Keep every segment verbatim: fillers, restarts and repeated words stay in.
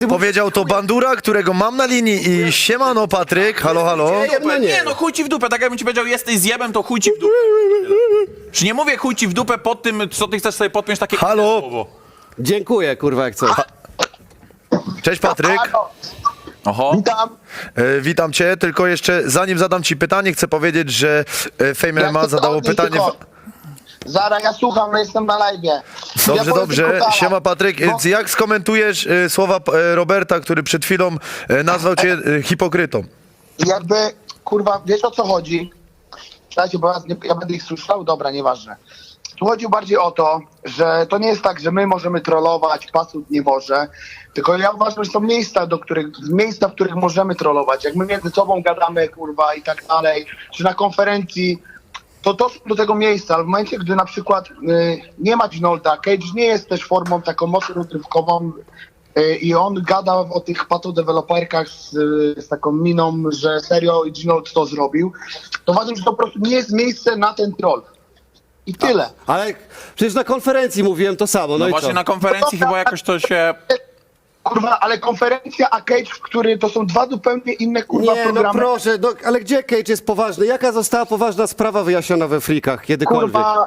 Powiedział to Bandura, którego mam na linii i siemano Patryk, halo, halo. No nie, no chuj ci w dupę, tak jakbym ci powiedział, jesteś zjebem, to chuj ci w dupę. Czy nie mówię chuj ci w dupę pod tym, co ty chcesz sobie podpiąć takie Halo? słowo? Dziękuję, kurwa, jak coś. Cześć Patryk, Oho. Witam. e, witam cię, tylko jeszcze zanim zadam ci pytanie, chcę powiedzieć, że e, Fame M M A Ja chcę zadało odnieść pytanie... tylko- Zara, ja słucham, no jestem na live. Dobrze, ja powiem dobrze, tylko tak, siema Patryk, bo- E, jak skomentujesz e, słowa e, Roberta, który przed chwilą e, nazwał cię e, hipokrytą? Jakby, kurwa, wiesz o co chodzi? Słuchajcie, bo ja, nie, ja będę ich słyszał, dobra, nieważne. Tu chodzi bardziej o to, że to nie jest tak, że my możemy trollować, pasut nie może, tylko ja uważam, że są miejsca, do których, miejsca, w których możemy trollować. Jak my między sobą gadamy, kurwa, i tak dalej, czy na konferencji, to to są do tego miejsca, ale w momencie, gdy na przykład y, nie ma Ginolda, Cage nie jest też formą taką mocno rozrywkową y, i on gada o tych patodeweloperkach z, z taką miną, że serio Ginold to zrobił, to uważam, że to po prostu nie jest miejsce na ten troll. I tyle. Ale przecież na konferencji mówiłem to samo, no, No i właśnie co? na konferencji chyba jakoś to się... Kurwa, ale konferencja, a Cage, w który to są dwa zupełnie inne kurwa Nie, no programy. proszę, no, ale gdzie Cage jest poważny? Jaka została poważna sprawa wyjaśniona we frikach kiedykolwiek? Kurwa.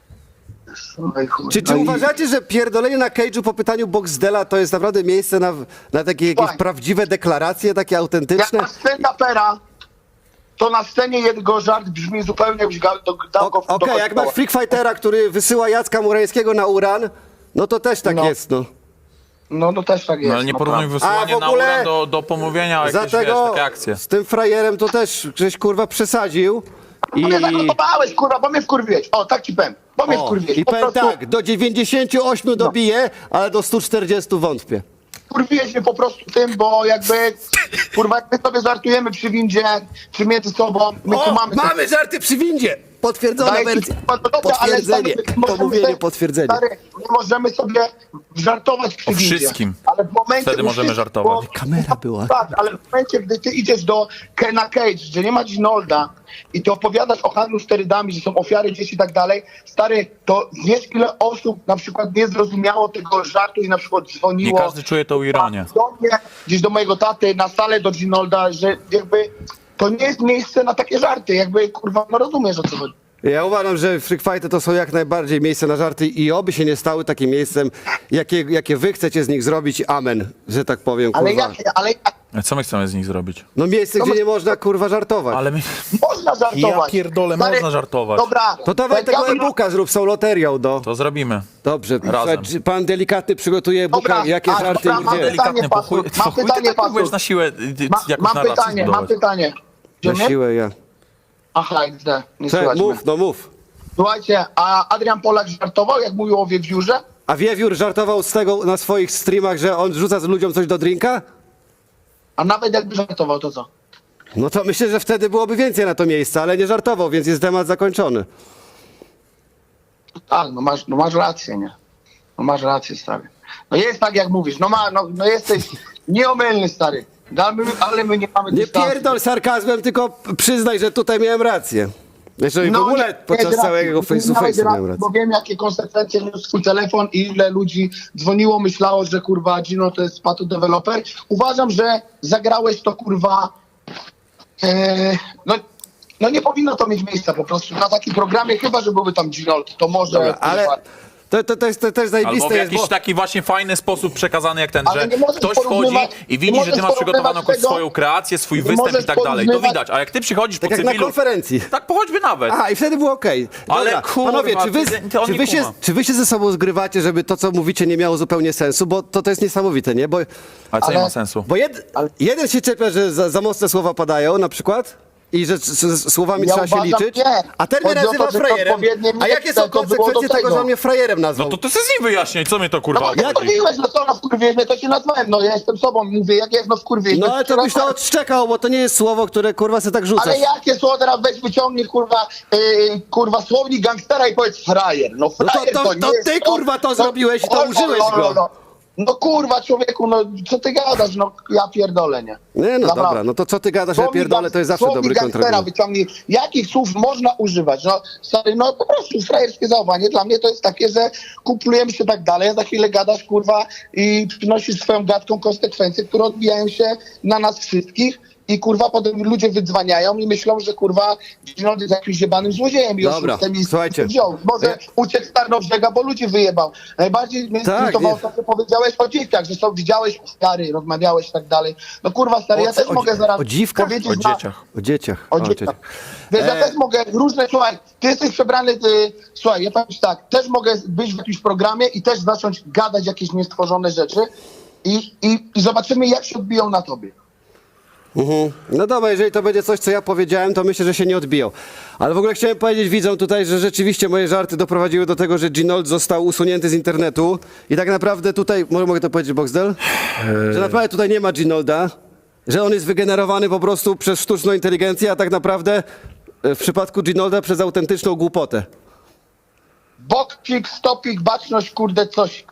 Oj, chuj. Czy, czy No i- uważacie, że pierdolenie na Cage'u po pytaniu Boxdela to jest naprawdę miejsce na, na takie jakieś Słuchaj. prawdziwe deklaracje, takie Jak autentyczne? na stand-upera, to na scenie jego żart brzmi zupełnie jakbyś ga- do, dał go Okej, do jak masz Freak Fightera, który wysyła Jacka Murańskiego na uran, no to też tak No. jest, no. No, no też tak jest. No ale nie no, porównuj prawda. wysyłania A w na ogóle- uran do, do pomówienia o jakieś, wiesz, Dlatego takie akcje. z tym frajerem to też żeś kurwa przesadził. I, No mnie zagotowałeś, kurwa, bo mnie wkurwiłeś. O, tak ci powiem. Bo mnie o, wkurwiłeś. i Po powiem prostu tak, do dziewięćdziesięciu ośmiu dobiję, ale do stu czterdziestu wątpię. wkurwiłeś mnie po prostu tym, bo jakby, kurwa, jak my sobie żartujemy przy windzie, czy między sobą, my tu mamy... mamy żarty przy windzie! Potwierdzona Daję ci- wersja. no to dobra, ale Potwierdzenie, stary, my możemy pomówienie, sobie- potwierdzenie. Stary, my możemy sobie żartować przy O windzie. wszystkim. Ale w momencie, Wtedy u możemy wszystkim, żartować. bo- Kamera była. Tak, ale w momencie, gdy ty idziesz do Kena Cage, gdzie nie ma Ginolda i ty opowiadasz o handlu sterydami, że są ofiary dzieci i tak dalej, stary, to wiesz ile osób na przykład nie zrozumiało tego żartu i na przykład Nie dzwoniło każdy czuje tą ironię. do mnie, gdzieś do mojego taty, na salę do Ginolda, że jakby to nie jest miejsce na takie żarty, jakby kurwa, no rozumiesz o co chodzi. Ja uważam, że freak fighty to są jak najbardziej miejsce na żarty i oby się nie stały takim miejscem, jakie, jakie wy chcecie z nich zrobić. Amen, że tak powiem, kurwa. Ale jak, ale jak A co my chcemy z nich zrobić? No miejsce, To gdzie my- nie można kurwa żartować. Ale my... można żartować. Ja pierdolę, Stary, można żartować. Dobra. To dawaj jak tego ja bym- e-booka zrób, są loterią, do. To zrobimy. Dobrze, Razem. czy pan delikatny przygotuje e-booka, Dobra, jakie a, żarty dobra, i mam gdzie? pytanie, Delikatnie, po chuj, Pasur. Mam po chuj ty pytanie, tak próbujesz Pasur. na siłę y, Ma, jakąś mam narrację pytanie, mam zbudować. pytanie. Na Idziemy? siłę ja. Aha, X D, nie Co, słychać mnie. mów, no mów. Słuchajcie, a Adrian Polak żartował, jak mówił o Wiewiórze? A Wiewiór żartował z tego na swoich streamach, że on rzuca z ludziom coś do drinka? A nawet jakby żartował, to co? No to myślę, że wtedy byłoby więcej na to miejsca, ale nie żartował, więc jest temat zakończony. Tak, no masz, no masz rację, nie? No masz rację, stary. No jest tak, jak mówisz, no, ma, no, no jesteś nieomylny, stary. No, ale my, ale my nie mamy Nie dystansu. pierdol sarkazmem, tylko przyznaj, że tutaj miałem rację. Zresztą i w No, ogóle nie, podczas miałeś całego rację. face to Miałeś face rację, miałem rację. Bo wiem, jakie konsekwencje niósł swój telefon i ile ludzi dzwoniło, myślało, że kurwa Gino to jest patodeweloper. Uważam, że zagrałeś to kurwa... E, no, no nie powinno to mieć miejsca po prostu na takim programie, chyba że byłby tam Ginold, to może... Dobra, ale kurwa, to, to, to, jest, to też Albo zajebiste w jest, jakiś bo... taki właśnie fajny sposób przekazany jak ten, Ale że nie możesz ktoś wchodzi porównywać- i nie widzi, że możesz ty masz przygotowaną porównywać jakąś tego- swoją kreację, swój nie występ i możesz tak dalej. To porównywać- widać, a jak ty przychodzisz po Tak jak na cywilu... konferencji. Tak, po choćby nawet. Aha, i wtedy było okej. Ale Dobra, kurwa, panowie, czy wy, ty- ty on czy, nie wy się, kuma. czy wy się ze sobą zgrywacie, żeby to, co mówicie, nie miało zupełnie sensu? Bo to, to jest niesamowite, nie? Bo, Ale co nie Ale- ma sensu? bo jed, jeden się czepia, że za, za mocne słowa padają, na przykład, i że z, z słowami Ja trzeba się uważam, liczyć, nie. a ten mnie Chodzi o to, nazywa że frajerem. odpowiednie A jakie miejsce są to było do konsekwencje tego, tego. że on mnie frajerem nazwał? No to ty se z nim wyjaśniaj, co mnie to No kurwa bo obchodzi. jak wkurwiłeś, no co, no wkurwiłeś mnie, to się nazwałem, no ja jestem sobą, mówię, jak jest, no wkurwiłeś. No no ale się to byś to nazwałem. odszczekał, bo to nie jest słowo, które kurwa se tak rzucasz. Ale jakie słowo teraz weź wyciągnij, kurwa, yy, kurwa, słownik gangstera i powiedz frajer. No No to- frajer to- to, nie to jest ty, kurwa, to zrobiłeś i to O, o, użyłeś o, go. o, o. No kurwa, człowieku, no co ty gadasz, no ja pierdolę, nie? Nie, no Naprawdę. dobra, no to co ty gadasz, ja Słowik pierdolę, to jest zawsze słowik dobry gangstera kontrakt. wyciągnij. Jakich słów można używać? No stary, no po prostu frajerskie zachowanie. Dla mnie to jest takie, że kumplujemy się tak dalej, a za chwilę gadasz, kurwa, i przynosisz swoją gadką konsekwencje, które odbijają się na nas wszystkich. I kurwa, potem ludzie wydzwaniają i myślą, że kurwa Ginold jest jakimś jebanym złodziejem i Dobra, oszustem i słuchajcie. wziął. Może Ja- uciekł z Tarnowrzega, bo ludzi wyjebał. Najbardziej mnie Tak, zirytowało nie. to, co powiedziałeś o dzieciach, że są, widziałeś stary, rozmawiałeś i tak dalej. No kurwa, stary, O ja co- też o- mogę zaraz o dziwkach? powiedzieć O na- dzieciach. O dzieciach. o dzieciach. Wiesz, ja E. też mogę różne, słuchaj, ty jesteś przebrany, ty, słuchaj, ja powiem ci tak, też mogę być w jakimś programie i też zacząć gadać jakieś niestworzone rzeczy i, i, i zobaczymy, jak się odbiją na tobie. Mhm. No dobra, jeżeli to będzie coś, co ja powiedziałem, to myślę, że się nie odbiją. Ale w ogóle chciałem powiedzieć widzom tutaj, że rzeczywiście moje żarty doprowadziły do tego, że Ginold został usunięty z internetu i tak naprawdę tutaj, może mogę to powiedzieć, Boxdel? Że naprawdę tutaj nie ma Ginolda, że on jest wygenerowany po prostu przez sztuczną inteligencję, a tak naprawdę e, w przypadku Ginolda przez autentyczną głupotę. Bokcik, stopik, baczność, kurde, coś.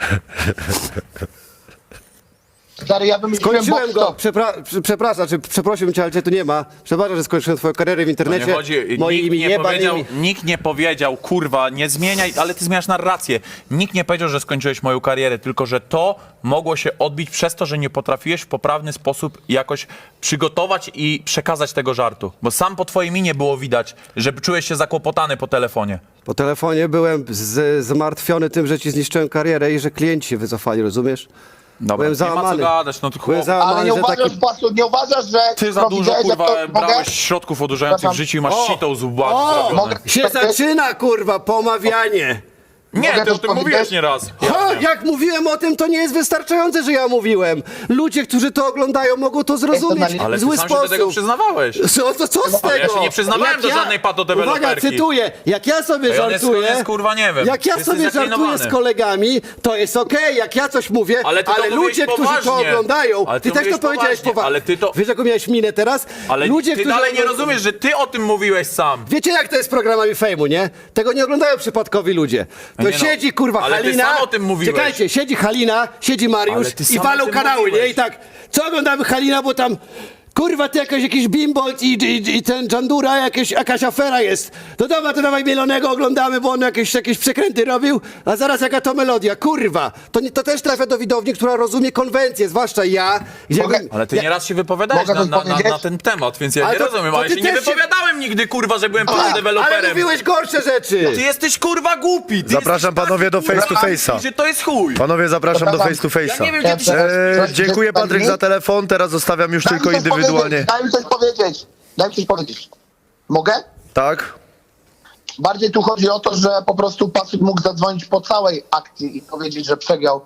Stary, ja wymyśliłem Skończyłem go, bokstop. przepra- prze- przepraszam, czy przeprosiłem cię, ale cię tu nie ma. Przepraszam, że skończyłem twoją karierę w To internecie. nie chodzi, Moje nikt, imię nie powiedział, jebanymi. nikt nie powiedział, kurwa, nie zmieniaj, ale ty zmieniasz narrację. Nikt nie powiedział, że skończyłeś moją karierę, tylko że to mogło się odbić przez to, że nie potrafiłeś w poprawny sposób jakoś przygotować i przekazać tego żartu. Bo sam po twojej minie było widać, że czułeś się zakłopotany po telefonie. Po telefonie byłem z- zmartwiony tym, że ci zniszczyłem karierę i że klienci się wycofali, rozumiesz? Dobra, Byłem nie ma co załamany. gadać, no to Byłem chłop, Ale załamany, nie że uważasz, taki... Pasu, nie uważasz, że... ty za no, dużo, widziałeś, jak kurwa, to- brałeś mogę? środków odurzających w Przepraszam. życiu i masz O! sitą z łba O! zrobione. Mogę- Się Tak jest? zaczyna, kurwa, pomawianie. Nie, Mogę ty o też tym mówiłeś powiedzieć? nieraz. Ha, jak mówiłem o tym, to nie jest wystarczające, że ja mówiłem. Ludzie, którzy to oglądają, mogą to zrozumieć Ale w Ale ty zły sam się do tego sposób. przyznawałeś. Co, to co z tego? Ale ja się nie przyznawałem Jak do żadnej patodeweloperki. Uwaga, cytuję. Jak ja sobie Ej, on jest- żartuję... on jest, kurwa, nie wiem. Jak ja Jesteś sobie żartuję zaklinowany. z kolegami, to jest okej. Jak ja coś mówię, Ale ty to mówiłeś ludzie, którzy to poważnie. oglądają... Ale ty ty też to mówiłeś powiedziałeś poważnie, poważnie. ale ty to- Wiesz, jaką miałeś minę teraz? Ale ludzie, ty którzy dalej nie oglą- rozumiesz, że ty o tym mówiłeś sam. Wiecie, jak to jest z programami fejmu, nie? Tego nie oglądają przypadkowi ludzie. To Nie no, siedzi, kurwa, ale ty Halina... sam o tym mówiłeś. Czekajcie, siedzi Halina, siedzi Mariusz Ale ty i sam o walą tym kanały, mówiłeś. nie? I tak, co oglądamy Halina, bo tam... Kurwa, ty jakaś, jakiś bimbolt i, i, i ten Jandura, jakieś, jakaś afera jest. To dobra, to dawaj Mielonego oglądamy, bo on jakieś, jakieś przekręty robił, a zaraz jaka to melodia, kurwa. To, nie, to też trafia do widowni, która rozumie konwencję, zwłaszcza ja. Gdzie Mogę- Ale ty ja, nieraz się wypowiadałeś Mogę na, coś na, na, powiedzieć? na ten temat, więc ja Ale nie to- rozumiem, to ale ty się nie też się- wypowiadałem nigdy, kurwa, że byłem Ale deweloperem. mówiłeś gorsze rzeczy. Ty jesteś, kurwa, głupi. Ty Zapraszam jesteś panowie do taki, face to kurwa, face'a. że to jest chuj. Panowie, zapraszam do Przepraszam. face to face'a. Ja nie wiem, gdzie ty się... E, dziękuję Patryk za telefon, teraz zostawiam już Daj mi tylko coś indywidualnie. powiedzieć, Daj mi coś powiedzieć. Daj mi coś powiedzieć. Mogę? Tak? Bardziej tu chodzi o to, że po prostu Pasut mógł zadzwonić po całej akcji i powiedzieć, że przegrał.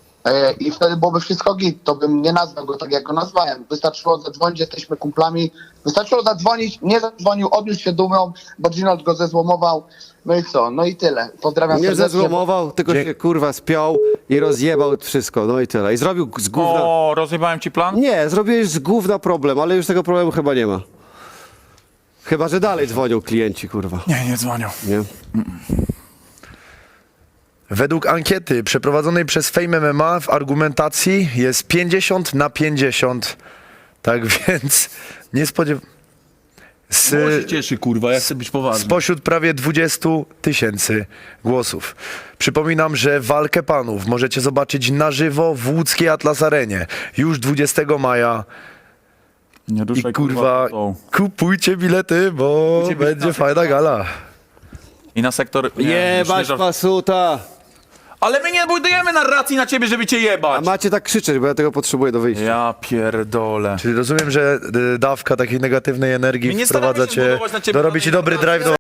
E, I wtedy byłoby wszystko git. To bym nie nazwał go tak, jak go nazwałem. Wystarczyło zadzwonić, jesteśmy kumplami. Wystarczyło zadzwonić, nie zadzwonił, odniósł się dumą, bo Ginold go zezłomował. No i co? No i tyle. Pozdrawiam Nie serdecznie. zezłomował, tylko Dzie- się kurwa spiął i rozjebał wszystko, no i tyle. I zrobił z gówna... O, rozjebałem ci plan? Nie, zrobiłeś z gówna problem, ale już tego problemu chyba nie ma. Chyba, że dalej dzwonią klienci, kurwa. Nie, nie dzwonią. Nie? Według ankiety przeprowadzonej przez Fame M M A w argumentacji jest pięćdziesiąt na pięćdziesiąt. Tak więc nie spodziewam z, Bo się cieszy, kurwa, ja chcę być poważny. spośród prawie dwudziestu tysięcy głosów. Przypominam, że walkę panów możecie zobaczyć na żywo w łódzkiej Atlas Arenie już dwudziestego maja. Nie I ruszaj, kurwa, tą. kupujcie bilety, bo Kupujcie bilety będzie na fajna gala. I na sektor... Nie, już nie Jebać żart- pasuta! Ale my nie budujemy narracji na ciebie, żeby cię A jebać. macie tak krzyczeć, bo ja tego potrzebuję do wyjścia. Ja pierdolę. Czyli rozumiem, że y, dawka takiej negatywnej energii My nie staramy wprowadza się cię, zbudować na ciebie dorobi ci żadnej dobry narracji. drive do